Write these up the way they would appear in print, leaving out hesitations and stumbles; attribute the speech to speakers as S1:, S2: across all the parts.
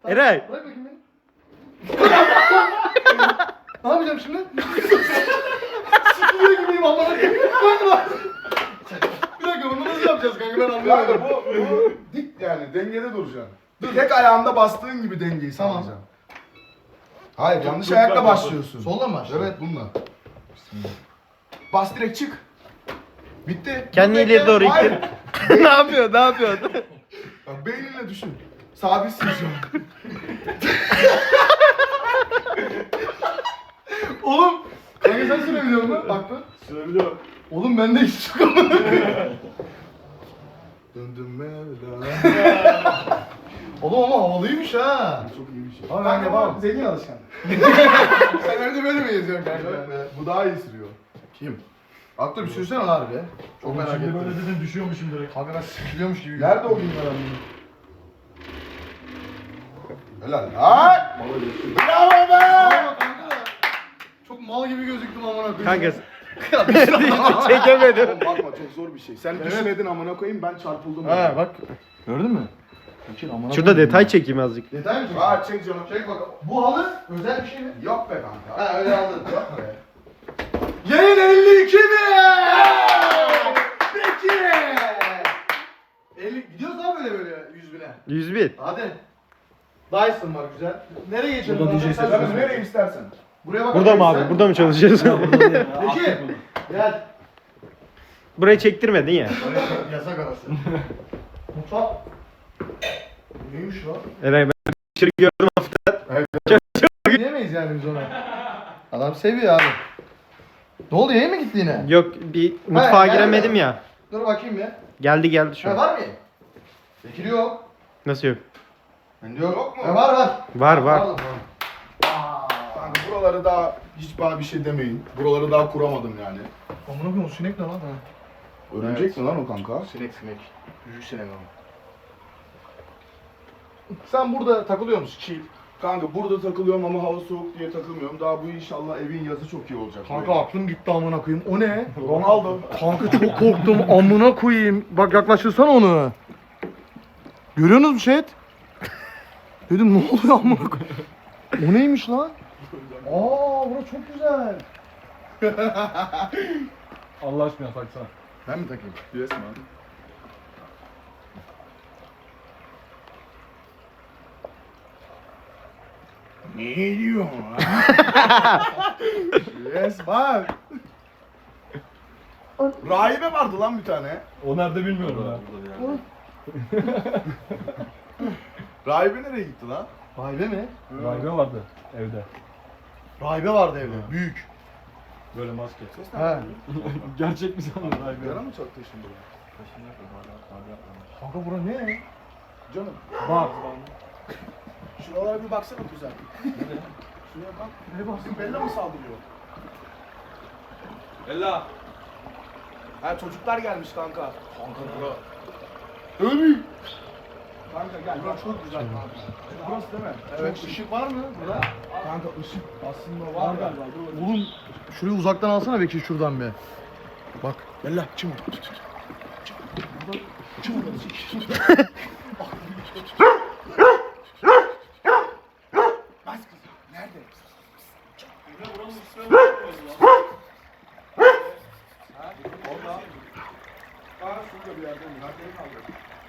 S1: Eray.
S2: Bırak bakayım beni. Ne yapacağım şimdi? Sıkılıyor gibiyim ama. Bir dakika bunu nasıl yapacağız kanka ben anlamadım.
S3: Kanka bu dik yani dengede duracaksın. Tek ayağında bastığın gibi dengeyi sağlayacaksın. Hayır yanlış ayakla başlıyorsun.
S2: Soldan mı başlıyor?
S3: Evet bununla. Bas direkt çık. Bitti.
S1: Kendi
S3: Bekle.
S1: ileri doğru
S3: Hayır.
S1: ittir. Ne yapıyor? Ne yapıyor?
S3: Bak beyninle düşün. Sabitsin şu an.
S2: Oğlum. Kanka sen sürebiliyor musun? Bak bak.
S3: Sürebiliyorum.
S2: Oğlum bende hiç yok ama.
S3: Döndüm Mevla.
S2: Oğlum ama havalıymış ha.
S3: Çok iyi bir şey.
S2: Ama ben yapamam. Zengin alışkan. Sen önce böyle mi geziyorsun kanka?
S3: Bu daha iyi sürüyor.
S2: Kim? Aklı bir sürsene lan harbi. Çok merak ettim.
S4: Böyle dedin düşüyormuşum direkt.
S2: Kanka ben sıkılıyormuş gibi.
S3: Nerede o günler anlamı? Helal lan. Bravo be.
S2: Aa, kanka da çok mal gibi gözüktüm amına koyayım.
S1: Kanka çekemedim.
S3: Oğlum bakma çok zor bir şey. Sen düşmedin amına koyayım ben çarpıldım.
S2: He bak. Gördün mü?
S1: Şurada detay çekeyim azıcık.
S2: Detay mı?
S3: Aa çek canım.
S2: Çek bakalım. Bu halı özel bir şey mi?
S3: Yok be kanka.
S2: Ha öyle aldın. Yok be. Yayın 52 mi? Peki. 50 gidiyoruz abi böyle 100 bine.
S1: 101.
S2: Hadi. Dyson var güzel. Nereye geçelim?
S4: Burada
S2: abi?
S4: DJ
S2: Sen
S3: Tabii
S4: sesi.
S3: nereye istersen.
S2: Buraya bak.
S1: Burada mı abi? Burada mı çalışıyoruz?
S2: Peki. Gel.
S1: Burayı çektirmedin ya.
S2: Yasak arası. Mutfak. Neymiş lan?
S1: Eray ben dışarı gördüm hafta.
S2: Diyemeyiz yani biz ona. Adam seviyor abi. Ne oldu yayın mı gitti yine?
S1: Yok bir mutfağa
S2: geldi
S1: giremedim
S2: mi?
S1: ya.
S2: Dur bakayım ya.
S1: Geldi şu
S2: Ha,
S1: an.
S2: var mı? Bekir yok.
S1: Nasıl yok?
S2: Bende yok.
S3: Yok mu?
S2: Var var.
S1: Var.
S2: Pardon.
S3: Kanka buraları daha hiç bana bir şey demeyin. Buraları daha kuramadım yani.
S2: Amına koyayım o sinek ne lan?
S3: Örümcek mi lan o kanka?
S2: Sinek. Büyük sinek ama. Sen burada takılıyor musun? Chill.
S3: Kanka burada takılıyorum ama hava soğuk diye takılmıyorum. Daha bu inşallah evin yazı çok iyi olacak.
S2: Kanka aklım gitti amına koyayım. O ne?
S3: Ronaldo.
S2: Kanka çok korktum amına koyayım. Bak yaklaştırsana onu. Görüyorsunuz mu chat? Dedim ne oluyor amına koyayım? O neymiş lan? Aa bura çok güzel.
S4: Allah aşkına taksana.
S2: Ben mi takayım?
S3: Yes man. Ne diyorsun lan? Yes man. Rahibe vardı lan bir tane.
S4: O nerede bilmiyorum ya.
S3: Rahibe nereye gitti lan?
S2: Rahibe mi?
S4: Rahibe vardı evde.
S2: Rahibe vardı evde. Büyük.
S4: Böyle maske.
S2: He.
S4: Gerçek mi sandın rahibe?
S3: Yara mı çaktı şimdi buraya?
S2: Kanka bura ne?
S3: Canım.
S4: Bak.
S3: Şuralara bir baksana güzel. Şuraya bak. Ne baksın? Bella mı saldırıyor?
S4: Ella.
S3: Ha çocuklar gelmiş kanka. Kanka bura. Ömür. Kanka gel. Bura çok güzel kanka. Burası değil mi?
S2: Evet. Çok ışık var mı burada?
S3: Kanka ışık aslında var galiba. Dur bakayım.
S2: Oğlum şurayı uzaktan alsana Bekir şuradan bir. Bak.
S3: Bella çım. Bas kızım. Nerede? Orada. Aa şurada bir yerde mi? Nerede kaldı?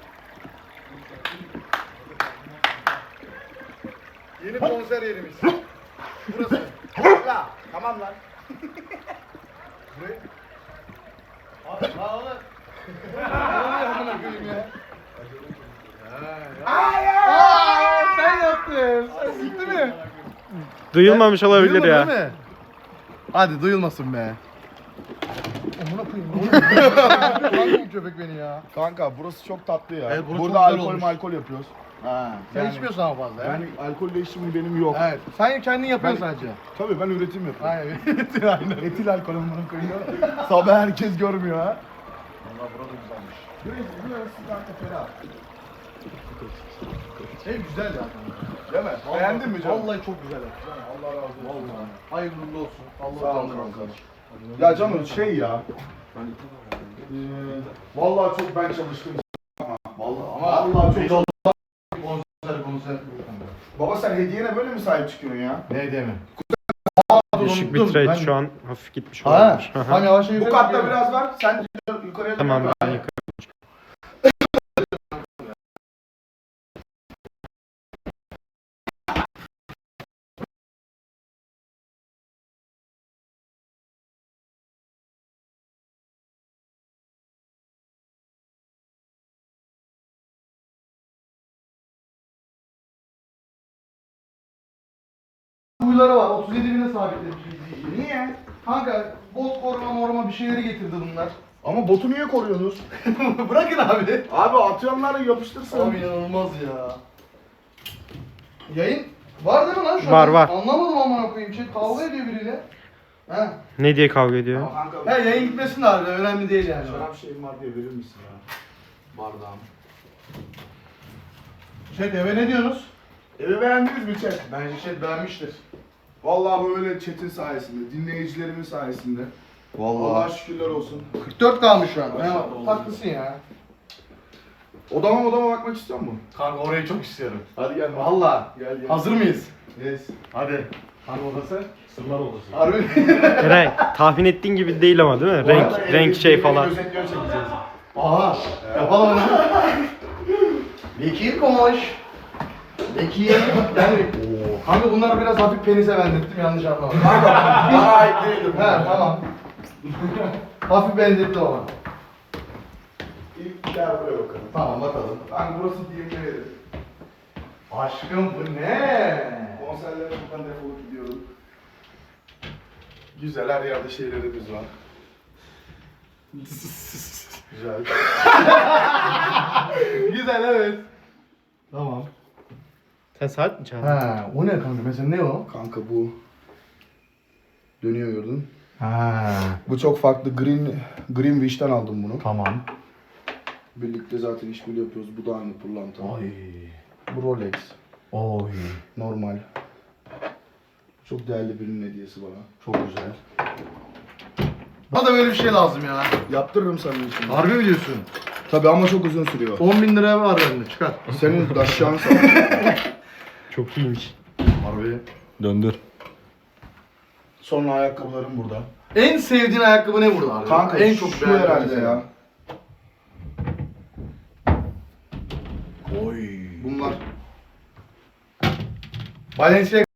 S2: Yeni konser yerimiz. Burası.
S3: Ya tamam lan.
S2: Burayı. Abi lan oğlum. Ne oluyor amına koyayım ya? Sen yaptın. Sen gitti mi?
S1: Duyulmamış olabilir
S2: Duyulmadı
S1: ya.
S2: değil mi? Hadi duyulmasın be. Amına koyayım. Hangi bu köpek beni ya?
S3: Kanka burası çok tatlı ya.
S2: Evet, burası
S3: Burada
S2: çok güzel
S3: alkol
S2: olmuş.
S3: alkol yapıyoruz. Ha.
S2: Sen içmiyorsun ama fazla ya.
S3: Yani alkolle işim benim yok.
S2: Evet. Sen kendin yapıyorsun
S3: Ben-
S2: sadece.
S3: Tabii ben üretim yapıyorum.
S2: Aynen. Aynen.
S3: Etil alkol amına koyuyor. Sabah herkes görmüyor ha. Valla burada güzelmiş. Burası kanka ferah.
S2: Ev güzel ya.
S3: Değil mi? Beğendin mi canım?
S2: Vallahi çok güzel.
S3: Allah razı olsun.
S2: Vallahi. Hayırlı uğurlu olsun. Allah
S3: Sağ ol
S2: razı olsun.
S3: kanka. Ya canım şey ya. Vallahi çok ben çalıştım. Vallahi
S2: Ama
S3: vallahi çok
S2: konser.
S3: Baba sen hediyene böyle mi sahip çıkıyorsun ya?
S2: Ne deme.
S1: Düşük
S2: unuttum.
S1: bitrate
S2: Ben-
S1: şu an hafif gitmiş
S2: Ha,
S1: olabilir. Hı hı.
S2: tam yavaş yavaş
S3: Bu katta
S2: gidiyor.
S3: biraz var. Sen yukarıya
S1: Tamam
S3: doğru
S1: ben
S3: gel.
S1: yukarı.
S2: Huyları var. 37 bine sabitlemiş.
S3: Niye?
S2: Kanka bot koruma bir şeyleri getirdi bunlar.
S3: Ama botu niye koruyorsunuz?
S2: Bırakın abi.
S3: Abi atıyorlar yapıştırsın.
S2: Abi inanılmaz ya. Yayın var değil mi lan şu
S1: Var,
S2: an?
S1: var.
S2: Anlamadım amına koyayım. Şey kavga ediyor biriyle. He.
S1: Ne diye kavga ediyor?
S3: Ama kanka
S2: He yayın gitmesin de abi önemli değil yani.
S3: şarap şeyim var diye verir misin ya? Bardağım.
S2: Şey eve ne diyorsunuz?
S3: Evi beğendiniz mi chat?
S2: Bence şey beğenmiştir.
S3: Vallahi böyle chat'in sayesinde, dinleyicilerimin sayesinde. Allah'a şükürler olsun.
S2: 44 kalmış şu an.
S3: Maşallah.
S2: He, haklısın ya.
S3: Odama bakmak istiyor musun?
S2: Kanka orayı çok istiyorum.
S3: Hadi gel.
S2: Valla.
S3: Gel gel.
S2: Hazır mıyız?
S3: Yes.
S2: Hadi. Hangi odası?
S4: Sırlar odası.
S2: Harbi.
S1: Eray tahmin ettiğin gibi değil ama değil mi?
S3: Bu arada
S1: Renk
S3: evde
S1: şey
S3: bir
S1: falan.
S3: özetliyor çekeceğiz.
S2: Aha. Yapalım onu. Bekir koş. Bekir. Yani. Kanka bunları biraz hafif penize benzettim yanlış anlama.
S3: Bana ait değildir bu.
S2: He tamam. Hafif benzetti ona.
S3: İlk gel buraya bakalım.
S2: Tamam bakalım.
S3: Ben burası diyelim yerim.
S2: Aşkım bu ne?
S3: Konserlere buradan defolup gidiyorum. Güzel her yerde şeylerimiz var. Güzel.
S2: Güzel evet. Tamam.
S1: Sen saat mi çaldın?
S2: Ha, o ne kanka? Mesela ne o?
S3: Kanka bu dönüyor gördün.
S2: Ha,
S3: Bu çok farklı. Green Wish'ten aldım bunu.
S2: tamam.
S3: Birlikte zaten işbirliği yapıyoruz. Bu da aynı pırlanta.
S2: Ay.
S3: Bu Rolex.
S2: Oy.
S3: Normal. Çok değerli birinin hediyesi bana.
S2: Çok güzel. Bana da böyle bir şey lazım ya.
S3: Yaptırırım sana için.
S2: Harbi mi diyorsun?
S3: Tabii ama çok uzun sürüyor.
S2: 10.000 liraya var bende çıkar.
S3: Senin daşşağın
S1: Çok iyiymiş.
S2: Harbi.
S4: Döndür.
S3: Sonra ayakkabılarım burada.
S2: En sevdiğin ayakkabı ne burada abi?
S3: Kanka
S2: en çok
S3: şu
S2: beğendiğin
S3: herhalde
S2: şey.
S3: ya.
S2: Oy.
S3: Bunlar.
S2: Balenciaga.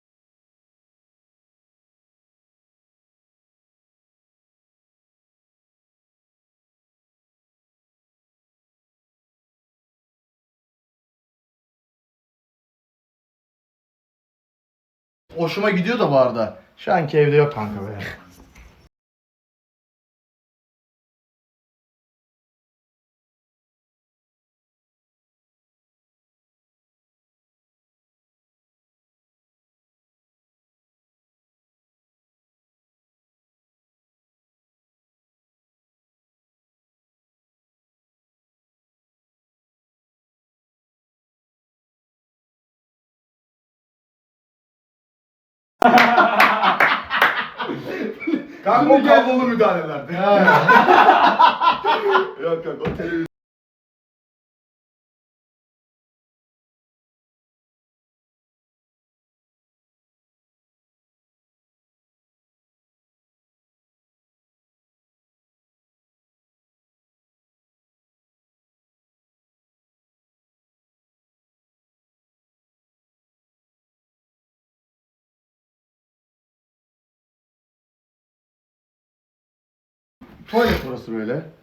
S2: Hoşuma gidiyor da bu arada. Şu anki evde yok kanka be.
S3: Kanka o kablolu müdahalelerdi.
S2: Ha.
S3: Yok yok o televizyon.
S2: Tuvalet burası böyle.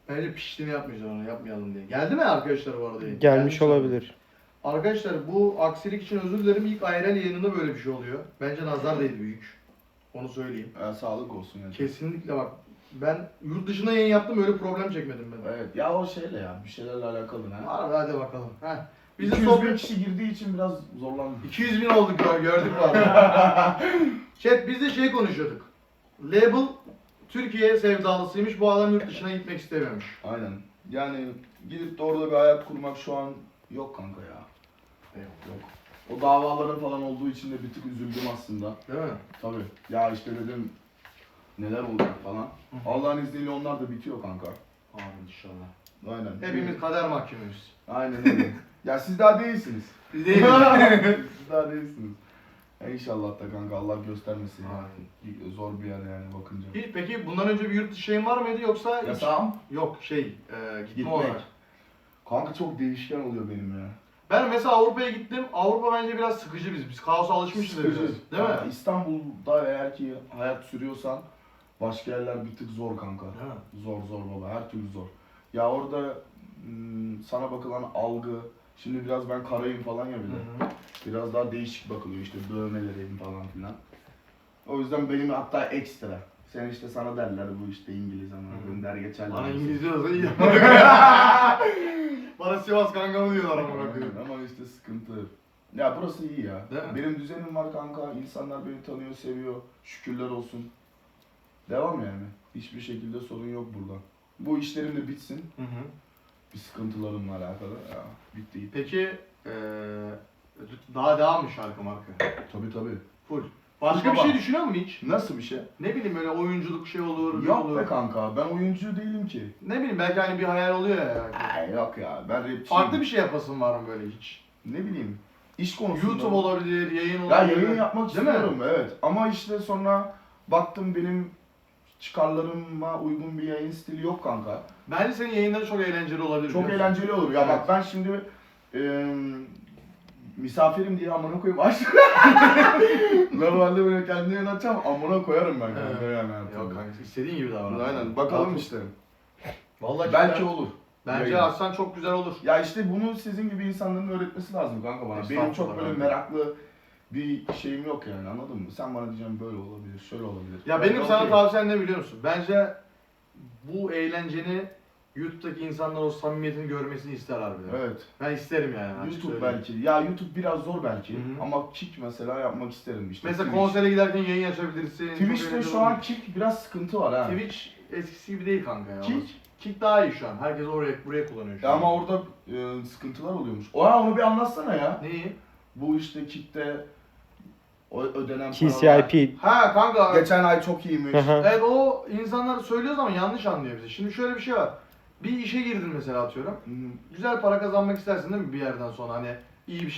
S2: Bence piştiğini yapmayacağız onu, yapmayalım diye. Geldi mi arkadaşlar bu arada?
S1: Gelmiş
S2: Gelmiş
S1: olabilir.
S2: Arkadaşlar bu aksilik için özür dilerim. İlk IRL yayınında böyle bir şey oluyor. Bence nazar değdi büyük. Onu söyleyeyim.
S3: Sağlık olsun yani.
S2: Kesinlikle bak. Ben yurt dışına yayın yaptım, öyle problem çekmedim ben.
S3: Evet ya o şeyle ya bir şeylerle alakalı ne?
S2: Harbi hadi bakalım. Heh. Biz de
S3: 200 bin
S2: sohbet...
S3: kişi girdiği için biraz zorlandım.
S2: 200 bin olduk ya, gördük var. Chat biz de şey konuşuyorduk. Label Türkiye sevdalısıymış, bu adam yurt dışına gitmek istemiyormuş.
S3: Aynen. Yani gidip de orada bir hayat kurmak şu an yok kanka ya. Yok. O davaların falan olduğu için de bir tık üzüldüm aslında.
S2: Değil mi?
S3: Tabii. Ya işte dedim neler olacak falan. Allah'ın izniyle onlar da bitiyor kanka.
S2: Amin inşallah.
S3: Aynen.
S2: Hepimiz kader mahkumuyuz.
S3: Aynen öyle. Ya siz daha değilsiniz.
S2: Biz değiliz.
S3: Siz daha değilsiniz. Ya inşallah da kanka Allah göstermesin. Zor bir yer yani bakınca.
S2: Hiç, peki bundan önce bir yurt dışı şeyin var mıydı yoksa hiç?
S3: Yasağım?
S2: Yok gitme
S3: Gitmek.
S2: olarak.
S3: Kanka çok değişken oluyor benim ya.
S2: Ben mesela Avrupa'ya gittim. Avrupa bence biraz sıkıcı biz. Biz kaosa alışmışız biraz. Değil mi?
S3: Ya İstanbul'da eğer ki hayat sürüyorsan başka yerler bir tık zor kanka.
S2: Değil mi?
S3: Zor baba, her türlü zor. Ya orada sana bakılan algı, şimdi biraz ben karayım falan ya bir de. Biraz daha değişik bakılıyor işte dövmelerim falan filan. O yüzden benim hatta ekstra. Sen işte sana derler bu işte İngiliz ama gönder geçerler.
S2: Bana İngilizce olsa iyi. Bana Sivas kankamı diyorlar ama bakıyorum.
S3: Ama işte sıkıntı. Ya burası iyi ya.
S2: Değil mi?
S3: Benim düzenim var kanka. İnsanlar beni tanıyor, seviyor. Şükürler olsun. Devam yani. Hiçbir şekilde sorun yok burada. Bu işlerim de bitsin. Bir sıkıntılarımla alakalı. Ya bitti.
S2: Peki daha devam mı şarkı marka?
S3: Tabii.
S2: Full. Başka bir
S3: Baba.
S2: şey düşünüyor musun hiç?
S3: Nasıl bir şey?
S2: Ne bileyim böyle oyunculuk şey olur, bir
S3: Yok
S2: olur.
S3: be kanka. Ben oyuncu değilim ki.
S2: Ne bileyim belki hani bir hayal oluyor ya. Yani.
S3: Ay yok ya. Ben rapçiyim.
S2: Farklı bir şey yapasın var mı böyle hiç?
S3: Ne bileyim. İş konusunda.
S2: YouTube olabilir, yayın
S3: Ya
S2: olabilir.
S3: yayın yapmak
S2: Değil mi?
S3: istiyorum evet. Ama işte sonra baktım benim çıkarlarıma uygun bir yayın stili yok kanka.
S2: Bence senin yayınların çok eğlenceli olabilir.
S3: Çok
S2: biliyor musun?
S3: eğlenceli olur. Ya
S2: Evet.
S3: bak ben şimdi misafirim diye amına koyayım aç. Normalde böyle kendime yöneteceğim amına koyarım ben kanka
S2: Evet.
S3: yani.
S2: Yok kanka istediğin gibi davran.
S3: Aynen bakalım işte.
S2: Vallahi
S3: Belki
S2: cidden-
S3: olur.
S2: Bence
S3: Yayın.
S2: Aslan çok güzel olur.
S3: Ya işte bunu sizin gibi insanların öğretmesi lazım kanka bana. Benim çok
S2: Estağfurullah
S3: böyle
S2: kanka.
S3: meraklı bir şeyim yok yani anladın mı? Sen bana diyeceksin böyle olabilir, şöyle olabilir.
S2: Ya
S3: Ben
S2: benim
S3: de
S2: sana
S3: okeyim.
S2: tavsiyem ne biliyor musun? Bence bu eğlenceni YouTube'daki insanlar o samimiyetini görmesini ister harbiden.
S3: Evet.
S2: Ben isterim yani. açık
S3: YouTube
S2: söyleyeyim.
S3: belki. Ya YouTube biraz zor belki
S2: Hı hı.
S3: ama Kick mesela yapmak isterim işte.
S2: Mesela
S3: Twitch.
S2: konsere giderken yayın açabilirsin. çok
S3: Twitch'te
S2: eğlenceli
S3: şu
S2: olur.
S3: an Kick biraz sıkıntı var ha.
S2: Twitch eskisi gibi değil kanka ya.
S3: Kick?
S2: Kick daha iyi şu an. Herkes buraya kullanıyor şu
S3: Ya
S2: an.
S3: ama orada sıkıntılar oluyormuş. Onu bir anlatsana ya.
S2: Neyi?
S3: Bu işte Kick'te o ödenen
S1: TCIP.
S2: Ha kanka.
S3: Geçen ay çok iyiymiş.
S1: Hı hı.
S2: Evet o insanlar söylüyoruz ama yanlış anlıyor bizi. Şimdi şöyle bir şey var. Bir işe girdin mesela atıyorum.
S3: Hı.
S2: Güzel para kazanmak istersin değil mi bir yerden sonra hani iyi bir